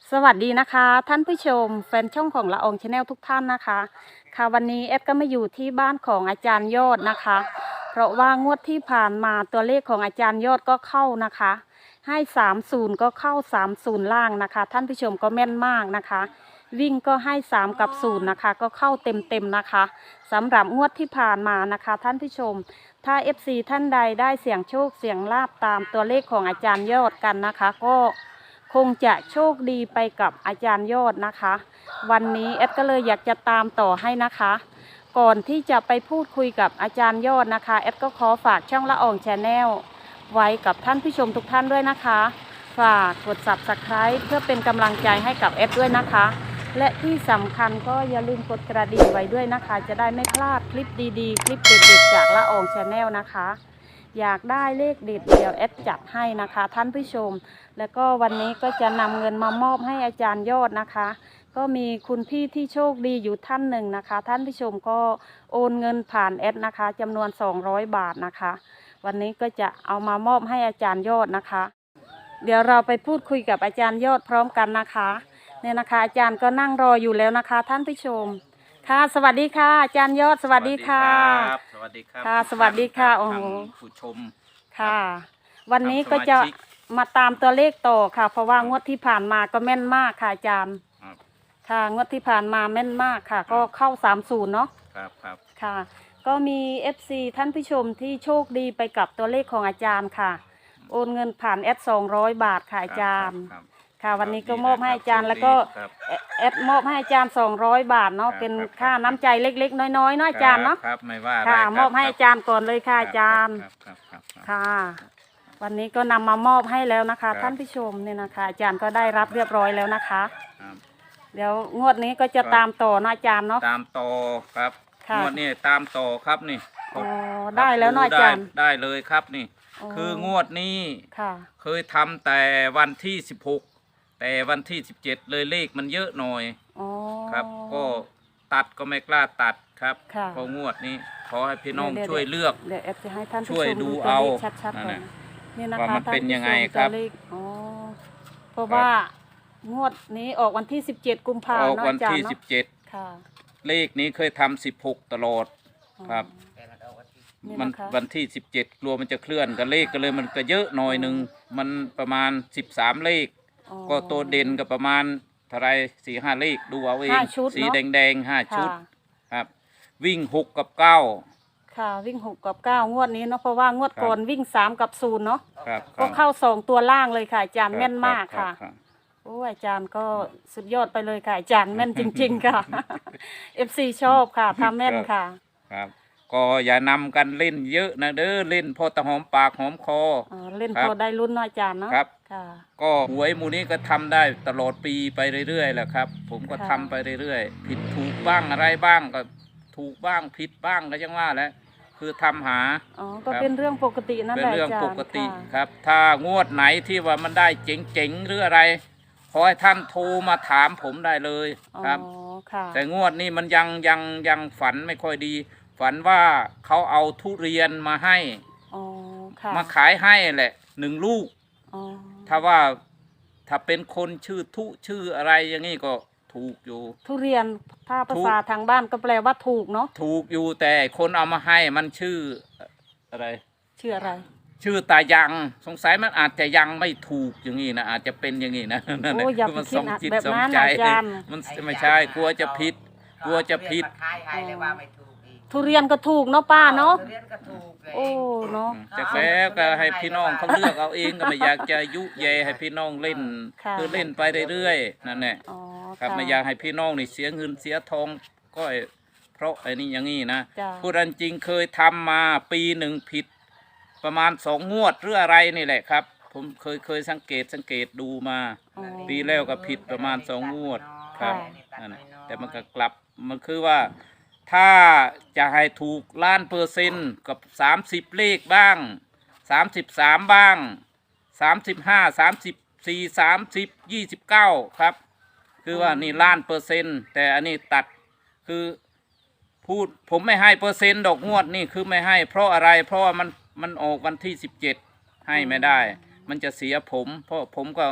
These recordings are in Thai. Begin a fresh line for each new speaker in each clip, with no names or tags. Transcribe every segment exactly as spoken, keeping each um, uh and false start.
สวัสดีนะคะท่านผู้ชมแฟนช่องของละอองชาแนลทุกท่านนะคะค่ะวันนี้แอดก็มาอยู่ที่บ้านของอาจารย์ยอดนะคะ เพราะว่างวดที่ผ่านมาตัวเลขของอาจารย์ยอดก็เข้านะคะให้สามศูนย์ก็เข้าสามศูนย์ล่างนะคะท่านผู้ชมก็แม่นมากนะคะ วิ่งก็ให้สามกับศูนย์นะคะก็เข้าเต็มๆนะคะสำหรับงวดที่ผ่านมานะคะท่านผู้ชมถ้า เอฟ ซี ท่านใดได้เสี่ยงโชคเสี่ยงลาบตามตัวเลขของอาจารย์ยอดกันนะคะ ก็คงจะโชคดีไปกับอาจารย์ยอดนะคะ วันนี้แอดก็เลยอยากจะตามต่อให้นะคะ ก่อนที่จะไปพูดคุยกับอาจารย์ยอดนะคะแอดก็ขอฝากช่องละอองชาแนลไว้กับท่านผู้ชมทุกท่านด้วยนะคะฝากกด ซับสไครบ์ เพื่อเป็นกำลังใจให้กับแอดด้วยนะคะและที่สำคัญก็อย่าลืมกดกระดิ่งไว้ด้วยนะคะจะได้ไม่พลาดคลิปดีๆคลิปเด็ดๆจากละอองชาแนลนะคะอยากได้เลขเด็ดเดี๋ยวแอดจัดให้นะคะท่านผู้ชมแล้วก็วันนี้ก็จะนำเงินมามอบให้อาจารย์ยอดนะคะก็มีคุณพี่ที่โชคดีอยู่ท่านหนึ่งนะคะท่านผู้ชมก็โอนเงินผ่านแอดนะคะจำนวนสองร้อยบาทนะคะวันนี้ก็จะเอามามอบให้อาจารย์ยอดนะคะเดี๋ยวเราไปพูดคุยกับอาจารย์ยอดพร้อมกันนะคะเนี่ยนะคะอาจารย์ก็นั่งรออยู่แล้วนะคะท่านผู้ชมค่ะสวัสดีค่ะอาจารย์ยอดสวัสดีค่ะ
สวัสดีครับ
ค่ะสวัสดีค่ะโอ้โห
ผู้ชม
ค่ะวันนี้ก็จะมาตามตัวเลขต่อค่ะเพราะว่างวดที่ผ่านมาก็แม่นมากค่ะอาจารย์ค่ะงวดที่ผ่านมาแม่นมากค่ะก็เข้าสามศูนย์เนาะ
ครับครับ
ค่ะก็มี เอฟ ซี ท่านผู้ชมที่โชคดีไปกับตัวเลขของอาจารย์ค่ะโอนเงินผ่านแอดสองร้อยบาทค่ะอาจารย์ค่ะวันนี้ก็มอบให้อาจารย์แล้วก็แอดมอบให้อาจารย์สองร้อยบาทเนาะเป็นค่าน้ำใจเล็กๆน้อยๆเนาะอาจารย์เนาะ
ครับไม่ว่า
ค่ะมอบให้อาจารย์ก่อนเลยค่ะอาจารย์ค่ะวันนี้ก็นำมามอบให้แล้วนะคะท่านผู้ชมเนี่ยนะคะอาจารย์ก็ได้รับเรียบร้อยแล้วนะคะเดี๋ยวงวดนี้ก็จะตามต่อนะอาจารย์เนาะ
ตามต่อครับงวดนี้ตามต่อครับนี่
อ๋อได้แล้วนะอาจารย์
ได้เลยครับนี่คืองวดนี้เคยทำแต่วันที่สิบหกแต่วันที่สิบเจ็ดเลยเลขมันเยอะหน่อยครับก็ตัดก็ไม่กล้าตัดครับเพราะงวดนี้ขอให้พี่น้องช่วยเลือกช่วยดูเอาว่ามันเป็นยังไงครับ
เพราะว่างวดนี้ออกวันที่สิบเจ็ดกุมภาพันธ์
ออกวันที่สิบเจ็ดเลขนี้เคยทำสิบหกตลอดครับมันวันที่สิบเจ็ดกลัวมันจะเคลื่อนกับเลขก็เลยมันก็เยอะหน่อยหนึ่งมันประมาณสิบสามเลขก็ตัวเด่นก็ประมาณเท่าไรสี่ห้าเลขดูเอาเองสีแดงแดงห้าชุดครับวิ่งหกกับเก้า
ค่ะวิ่งหกกับเก้างวดนี้เนาะเพราะว่างวดก่อนวิ่งสามกับศูนย์เนาะก็เข้าสองตัวล่างเลยค่ะอาจารย์แม่นมากค่ะโอ้อาจารย์ก็สุดยอดไปเลยค่ะอาจารย์แม่นจริงๆค่ะ เอฟ ซี ชอบค่ะทำแม่นค่ะ
ครับก็อย่านำกันเล่นเยอะนะเด้อเล่นพอตะหอมปากหอมคอ
เล่นพอได้ลุ้นน้อยจานเนาะ
ครับก็หวยมูนี้ก็ทำได้ตลอดปีไปเรื่อยๆแหละครับผมก็ทำไปเรื่อยๆผิดถูกบ้างอะไรบ้างก็ถูกบ้างผิดบ้างก็ยังว่าแหละคือทำหา
อ๋อก็เป็นเรื่องปกตินั่นแหละ
เป็นเรื่องปกติครับถ้างวดไหนที่ว่ามันได้เจ๋งๆหรืออะไรขอให้ท่านโทรมาถามผมได้เลยครับแต่งวดนี้มันยังยังยังฝันไม่ค่อยดีฝันว่าเขาเอาทุเรียนมาให้มาขายให้แหละหนึ่งลูกถ้าว่าถ้าเป็นคนชื่อทุชื่ออะไรอย่างนี้ก็ถูกอยู่
ทุเรียนถ้าภาษาทางบ้านก็แปลว่าถูกเนาะ
ถูกอยู่แต่คนเอามาให้มันชื่ออะไร
ชื่ออะไร
ชื่อตายังสงสัยมันอาจจะยังไม่ถูกอย่างนี้นะอาจจะเป็นอย่างนี้นะ
โอ้ยมันสมจิตสมใจ
มันไม่ใช่กลัวจะผิดกลัวจะผิด
ทุเรียนก็ถูกเนาะป้าเนาะโอ้เนาะ
จากแล้วก็ให้พี่น้องเขาเลือกเอาเองก็ไม่อยากจะยุแยให้พี่น้องเล่นคือเล่นไปเรื่อยๆนั่นแหละครับไม่อยากให้พี่น้องนี่เสียเงินเสียทองก็เพราะไอ้นี่อย่างนี้นะพูดจริงเคยทำมาปีหนึ่งผิดประมาณสองงวดหรืออะไรนี่แหละครับผมเคยเคยสังเกตสังเกตดูมาปีแล้วก็ผิดประมาณสองงวดครับนั่นแต่มันก็กลับมันคือว่าถ้าจะให้ถูกล้านเปอร์เซ็นต์กับสามสิบเลขบ้างสามสิบสามบ้างสามสิบห้าสามสิบสี่สามสิบยี่สิบเก้าครับคือว่านี่ล้านเปอร์เซ็นต์แต่อันนี้ตัดคือพูดผมไม่ให้เปอร์เซ็นต์ดอกงวดนี่คือไม่ให้เพราะอะไรเพราะว่ามันมันออกวันที่สิบเจ็ดให้ไม่ได้มันจะเสียผมเพราะผมก็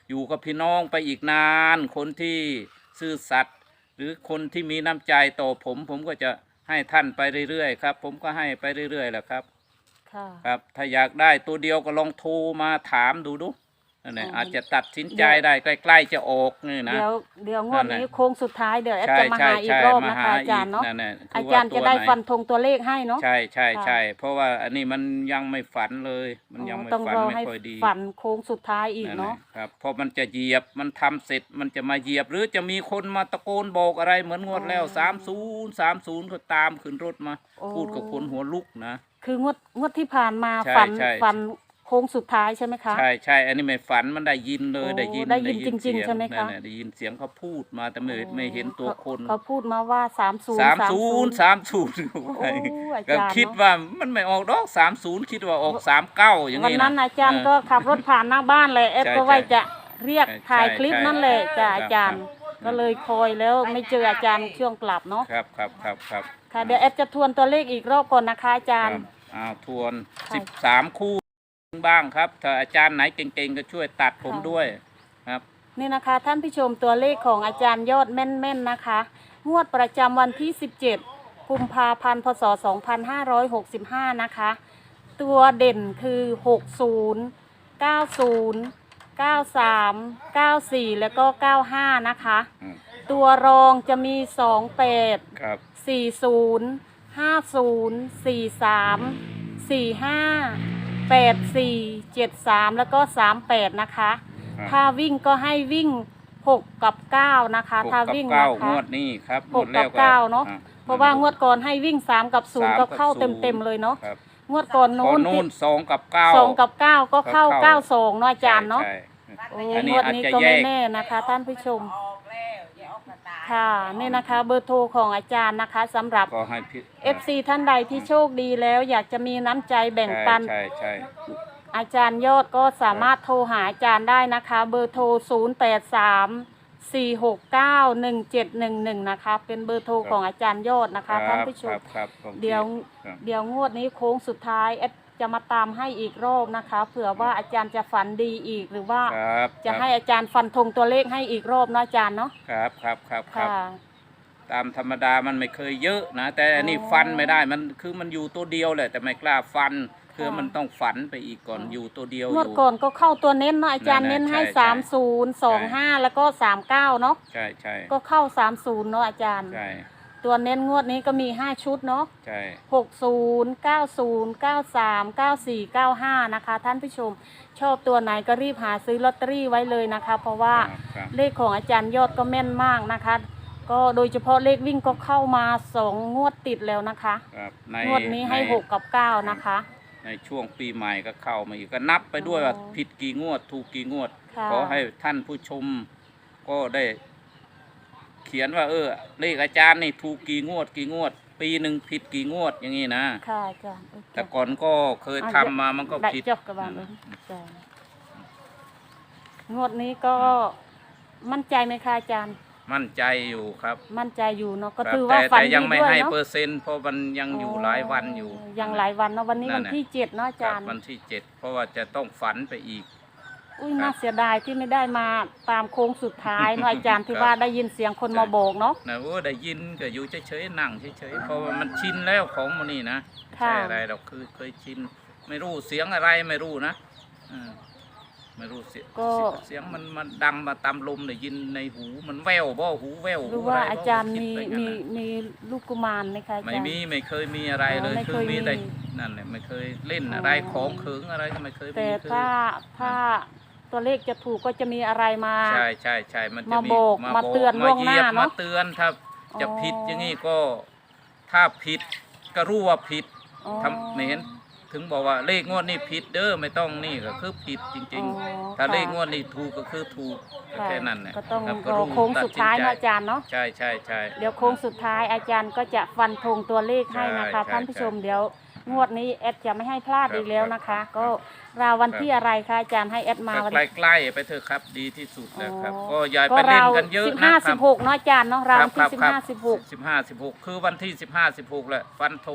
อยู่กับพี่น้องไปอีกนานคนที่ซื่อสัตย์หรือคนที่มีน้ำใจต่อผม ผมก็จะให้ท่านไปเรื่อยๆครับผมก็ให้ไปเรื่อยๆแหละครับ
ค่ะ
ครับถ้าอยากได้ตัวเดียวก็ลองโทรมาถามดูดูนั่นแหละ
อ๋ออ
อาจจะตัดสินใจได้ใกล้ๆจะออกนี่นะ
เดี๋ยวเดี๋ยวงวด
นั่น
นี้
แหละ
โค้งสุดท้ายเดี๋ยวแอด
ใช่
จะมา
ใช่
หาอีก
ใช่
รอบ
มา
นะ
หา
คะอา
อี
จาก รย์เนาะ
นั่นแหละ
อา
คือ
จา
ว่าร
ย์
ตั
จะ
ว
ได้
ไหน
ฟันธงตัวเลขให้เนาะ
ใช่ใช่
ค่ะ
ใช่เพราะว่าอันนี้มันยังไม่ฝันเลย มันยังไม่
ต้อง
ฝัน
รอ
ไม่
ให้
ค่อยดี
ฝันโค้งสุดท้ายอีก
นั่นแห
เนาะ
ละครับเพราะมันจะเหยียบมันทำเสร็จมันจะมาเหยียบ หรือจะมีคนมาตะโกนบอกอะไรเหมือนงวดแล้วสามศูนย์สามศูนย์ก็ตามขึ้นรถมา
โอ้
พูดกับคนหัวลุกนะ
คืองวดงวดที่ผ่านมา
ใช่
ฝัน
ใช่
ฝันโค้งสุดท้ายใช่ไหมคะ
ใช่ใช่อันนี้ไม่ฝันมันได้ยินเลย
โอ้
ได้ยิน
ได้ยินจริงๆ
เสีย
ใช่ไหมคะ
นั่นแหละได้ยินเสียงเขาพูดมาแต่ไม่ไม่เห็นตัวคน
เขาพูดมาว่าสามศูนย์
สามศูนย์สามศูนย์
โอ้อา
ก็
จารย์
คิด
เนาะ
ว่ามันไม่ออกดอกสามศูนย์คิดว่าออกสามเก้าอย่าง
วัน
นี้
นั้น
นะ
อาจารย์ก็ขับรถผ่านหน้าบ้านเลยแอด
ใช่
ก็ว่า
ใช่
จะเรียก
ใช่
ถ่ายคลิป
ใช่
นั่นแหละจ้ะ
ครับ
อาจารย์
ครับ
ก็เลยคอยแล้วไม่เจออาจารย์ช่วงกลับเนาะ
ครับครับครับครับ
ค่ะเดี๋ยวแอดจะทวนตัวเลขอีกรอบก่อนนะคะอาจาร
ค
ย์
รับอ้าวทวน
ค่ะ
สิบสามคู่บ้างครับถ้าอาจารย์ไหนเก่งๆก็ช่วยตัดผม
ค่ะ
ด้วยครับ
นี่นะคะท่านผู้ชมตัวเลขของอาจารย์ยอดแม่นๆนะคะ งวดประจำวันที่ สิบเจ็ด กุมภาพันธ์ พศ สองพันห้าร้อยหกสิบห้า นะคะ ตัวเด่นคือ หกศูนย์ เก้าศูนย์ เก้าสาม เก้าสี่ แล้วก็ เก้าห้า นะคะ
อืม
ตัวรองจะมี สองแปด
ครับ
สี่ศูนย์ ห้าศูนย์ สี่สาม สี่ห้า แปดสี่ เจ็ดสาม แล้วก็สามแปดนะคะ
ครับ
ถ้าวิ่งก็ให้วิ่งหกกับเก้านะคะ
หก
ถ้า
กับ
วิ่ง
เก้า
นะคะ
งวดนี้ครับ
หก
งวดแล้
กับ
ว
เก้าเนาะ
อ่
เพราะว่างวดก่อนให้วิ่งสามกับศูนย์
สาม
ก็
กับ
เข้า
ศูนย์
เต็มๆเลยเนาะ
ครับ
งวดก่อน
ก่อ
นู้
น
น
นู่นสองกับเก้า
สองกับเก้าก็เข้า
ก็เข้า
เก้าสองเนาะอาจารย์เนาะ
ใช่
โอ้
ใช่อันนี้
งวด
อาจ
นี้
จะ
ก็
แย
ไม่
ก
แน่นะคะ ท่านผู้ชมค่ะนี่นะคะเบอร์โทรของอาจารย์นะคะสำหรับ
ก็ให้พี่
เอฟซี ท่านใดที่โชคดีแล้วอยากจะมีน้ำใจแบ่งปัน
ใช่ใช่
อาจารย์ยอดก็สามารถโทรหาอาจารย์ได้นะคะ เบอร์โทร ศูนย์ แปด สาม สี่ หก เก้า หนึ่ง เจ็ด หนึ่ง หนึ่ง นะคะ เป็นเบอร์โทรของอาจารย์ยอดนะคะท่านผู้ช
ค
ม
รับครับครับ
เดี๋ยว
ครับ
เดี๋ยวงวดนี้โค้งสุดท้ายแอดจะมาตามให้อีกรอบนะคะ เผื่อว่าอาจารย์จะฝันดีอีกหรือว่า
ครับ
จะให้อาจารย์ฟันธงตัวเลขให้อีกรอบนะอาจารย์เนาะ
ครับครับครับครับ
ค่ะ
ตามธรรมดามันไม่เคยเยอะนะ แต่อันนี้
อ๋อ
ฟันไม่ได้มันคือมันอยู่ตัวเดียวแหละแต่ไม่กล้าฟันคือ
ค่ะ
มันต้องฝันไปอีกก่อน
อ๋อ
อ
อยู่
ตัวเดียว
ง
อ
วด
ยู่
ก่อนก็เข้าตัวเน้นเนาะอาจารย์
นั่
เน้
น
น
น่ะ
ให้
ใช่
สามศูนย์ สองห้า แล้วก็สามเก้าเนาะ
ใช่ใช่
ก็เข้าสามศูนย์เนาะอาจารย์
ใช่
ตัวเน้นงวดนี้ก็มีห้าชุดเนาะ
ใช่
หกศูนย์ เก้าศูนย์ เก้าสาม เก้าสี่ เก้าห้า นะคะ ท่านผู้ชมชอบตัวไหนก็รีบหาซื้อลอตเตอรี่ไว้เลยนะคะ เพราะว่า
ครับครับ
เลขของอาจารย์ยอดก็แม่นมากนะคะ ก็โดยเฉพาะเลขวิ่งก็เข้ามาสองงวดติดแล้วนะคะ
ครับใน
งวดนี้ให้
ใน
หกกับเก้านะคะ
ในช่วงปีใหม่ก็เข้ามาอีกก็นับไปด้วยว่า
อ๋อ
ผิดกี่งวด ถูกกี่งวด
ค่ะ
ขอให้ท่านผู้ชมก็ได้ เขียนว่า เออ เลขอาจารย์นี่ถูกกี่งวด กี่งวด ปีหนึ่งผิดกี่งวดอย่างนี้นะ
ค่ะอาจารย์โอเค
แต่ก่อนก็เคย
อ่ะ
ทำมามันก็
ได้
ผิด
จบกับบางเลยอาจารย์งวดนี้ก็มั่นใจไหมคะอาจารย์
มั่นใจอยู่ครับ
มั่นใจอยู่เนาะก็
ครับ
ถือว่า
แต่
ฝัน
แต่ยัง
ดี
ไม่
ด้วย
ให้
เนาะ
เปอร์เซ็นต์เพราะมันยังอยู่หลายวันอยู่
ยังหลายวันเนาะวันนี้
นั่
วัน
นน่ะ
ที่เจ็ดเนาะอา
ครั
จา
บ
รย์
วันที่เจ็ดเพราะว่าจะต้องฝันไปอีก
อุ้ย
ครับ
น่าเสียดายที่ไม่ได้มาตามโค้งสุดท้ายเนาะอาจารย์ที่
ครับ
ว่าได้ยินเสียงคน
ใช่
มาโบกเนาะ
นะโอ้ได้ยินก็อยู่เฉยๆนั่งเฉยๆเพราะว่ามันชินแล้วของมันนี่นะ
ค่ะ
ใช่อะไรเราคือเคยชิน ไม่รู้เสียงอะไรไม่รู้นะอืมไม่รู้เสียง
ก็
เสียงมันมันดังมาตามลมได้ยินในหูมันแว่วบ่หูแว่ว
หรือ
หู
ว่า
ะไบ่
อาจารย์
คิด
มี
ไปงั้น
มี
น่ะ
มีลูกกุมารไหมคะอาจารย์
ไม่มีไม่เคยมีอะไรเลย
อ๋อไม่
คื
เค
อย มีแต่
มี
นั่นแหละไม่เคยเล่น
อ๋ออ
อะไรของเขิงอะไรก็ไม่เคยมี
แต่
คือ
ถ้าถ้าตัวเลขจะถูกก็จะมีอะไรมา
ใช่ใช่ใช่มันจะ
มาโบก
มา
มา
โบก
เตือนล่วงหน้า
มาเหยียบ
เนอะ
มาเตือนถ้าจะ
อ๋อ
ผิดอย่างนี้ก็ถ้าผิดก็รู้ว่าผิด
อ๋อ
ทำไม่เห็นถึงบอกว่าเลขงวดนี้ผิดเด้อไม่ต้องนี่ก็คือผิดจริง
อ๋อ
ๆ ถ้า
ค่ะ
เลขงวดนี้ถูกก็คือถูกก็
ค่ะ
แค่นั้นแหละ
ก็ต้อง
ครับ
รอโค้งสุดท้าย
ตั
เนาะ
สิ
อาจารย์เนาะ
ใช่ใช่ใช่
เดี๋ยวโค้งสุดท้ายอาจารย์ก็จะฟันธงตัวเลขให้นะคะ
ใช่
ท่านผู้ชม
ใช่
เดี๋ยวงวดนี้แอดจะไม่ให้พลาด
ครับ
อีกแล้วนะคะ
ครับ
ก็ราววัน
ครับ
ที่อะไรคะอาจารย์ให้แอดมา
ก็
วัน
ใกล้ๆไปเถอะครับดีที่สุดแล้วครับ
อ๋อ
ก็อย่าไปเล่นกันเยอะ
สิบ
นะ
ห้า
ค
สิ
รั
บบ หกเนาะอาจารย์เนาะราววันที่สิบห้าสิบหก
สิบห้าสิบหกคือวันที่สิบห้าสิบหกแหละฟันธง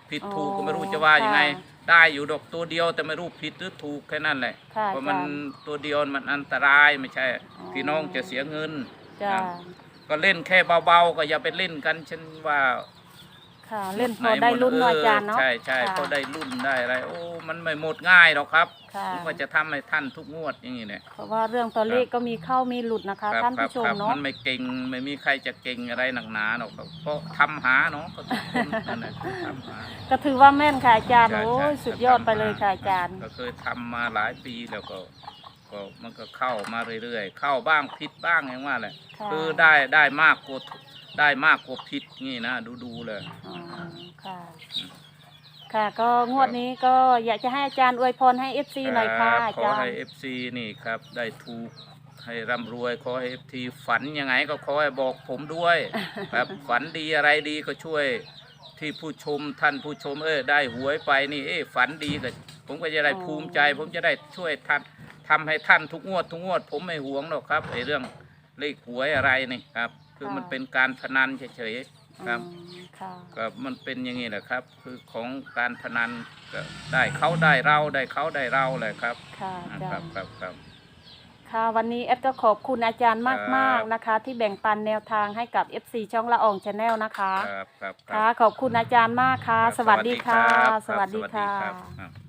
ผิด
อ๋อ
ถูกก็ไม่รู้จะว่ายังไง
ค่ะ
ได้อยู่ดอกตัวเดียวแต่ไม่รู้ผิดหรือถูกแค่นั้นแหละ
ค่ะ
เพราะมัน
อาจารย์
ตัวเดียวมันอันตรายไม่ใช่
อ๋อ
พี่น้องจะเสียเงิน
จ้า
ครับก็เล่นแค่เบาๆก็อย่าไปเล่นกันฉันว่า
ค่ะ เล่นพอได้รุ่นเนาะอาจารย์เนาะ
ใช่ใช่
ค่ะ
พอได้รุ่นได้อะไรโอ้มันไม่หมดง่ายหรอกครับ
ค่ะ
ผมก็จะทำให้ท่านทุกงวดอย่างนี้เนี่ย
เพราะว่าเรื่องตัวเลขก็มีเข้ามีหลุดนะคะ
ครับ
ท่าน
ครับ
ผู้ชม
ครับ
เนาะ
มันไม่เก่งไม่มีใครจะเก่งอะไรหนักหนาหรอกครับก็ทำหาเนาะก็ทุกคนนั่นแหละทำหา
ก็ถือว่าแม่นค่ะอาจารย์
ใช่
โอ้ย
ใช่
สุดยอดไปเลยค่ะอาจารย์
ก็เคยทำมาหลายปีแล้วก็ก็มันก็เข้ามาเรื่อยๆเข้าบ้างผิดบ้างอย่างว่าแหละ
ค่ะ
คือได้ได้มากกว่าได้มากกว่าผิดนี่นะดูดูๆเลย
อ๋อค่ะ ค่ะ ก็งวดนี้ก็อยากจะให้อาจารย์อวยพรให้เอฟซีหน่อยค่ะอา
ขอ
จาร
ให้
ย์
เอฟซีนี่ครับได้ถูกให้ร่ำรวยขอให้เอฟซีฝันยังไงก็ขอให้บอกผมด้วย ครับฝันดีอะไรดีก็ช่วยที่ผู้ชมท่านผู้ชมเออได้หวยไปนี่เออฝันดีก็ผมก็จะได้
อ๋อ
ภูมิใจ ผมจะได้ช่วยท่านทำให้ท่านทุกงวดทุกงวด ผมไม่หวงหรอกครับไอ้เรื่องเลขหวยอะไรนี่ครับคือมันเป็นการพนันเฉยๆครับ
อืมค่ะ
ก็มันเป็นอย่างนี้แหละครับ คือของการพนันก็ได้เขาได้เราได้เขาได้เราแหละครับ
ค่ะอา
ค
จา
รั
ร
บ
ย์
ครับครับ
ค่ะวันนี้แอดก็ขอบคุณอาจารย์มากๆนะคะ ที่แบ่งปันแนวทางให้กับ เอฟ ซี ช่องละอองชาแนลนะคะ
ครับครับ
ค่ะ ขอบคุณอาจารย์มากค่ะ
รับ
สวัสดีค่ะ
รับ
สวัสดี
รับ
ค่ะ
รับ